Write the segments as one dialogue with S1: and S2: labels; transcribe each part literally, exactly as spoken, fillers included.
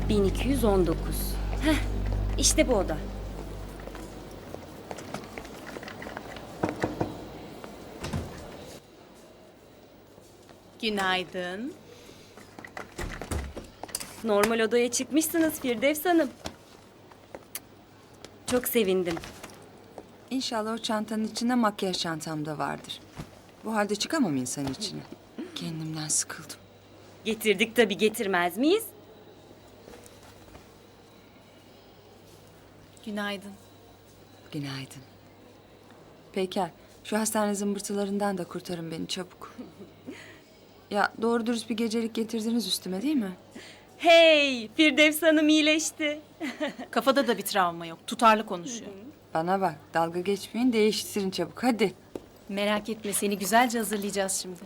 S1: bin iki yüz on dokuz. Heh, işte bu oda.
S2: Günaydın.
S1: Normal odaya çıkmışsınız Firdevs Hanım. Çok sevindim.
S3: İnşallah o çantanın içinde makyaj çantam da vardır. Bu halde çıkamam insan içine. Kendimden sıkıldım.
S1: Getirdik tabii, getirmez miyiz?
S2: Günaydın.
S3: Günaydın. Peyker, şu hastane zımbırtılarından da kurtarın beni çabuk. Ya doğru dürüst bir gecelik getirdiniz üstüme değil mi?
S1: Hey, Firdevs Hanım iyileşti.
S2: Kafada da bir travma yok. Tutarlı konuşuyor.
S3: Bana bak, dalga geçmeyin, değiştirin çabuk hadi.
S2: Merak etme, seni güzelce hazırlayacağız şimdi.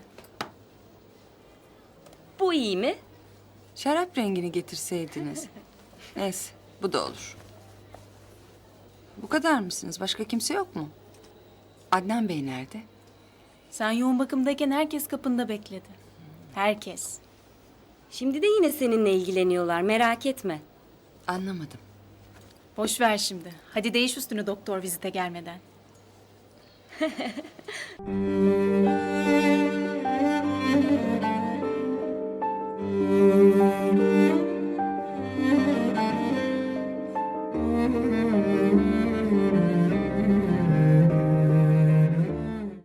S1: Bu iyi mi?
S3: Şarap rengini getirseydiniz. Neyse, bu da olur. Bu kadar mısınız? Başka kimse yok mu? Adnan Bey nerede?
S2: Sen yoğun bakımdayken herkes kapında bekledi. Herkes.
S1: Şimdi de yine seninle ilgileniyorlar, merak etme.
S3: Anlamadım.
S2: Boş ver şimdi. Hadi değiş üstünü doktor vizite gelmeden.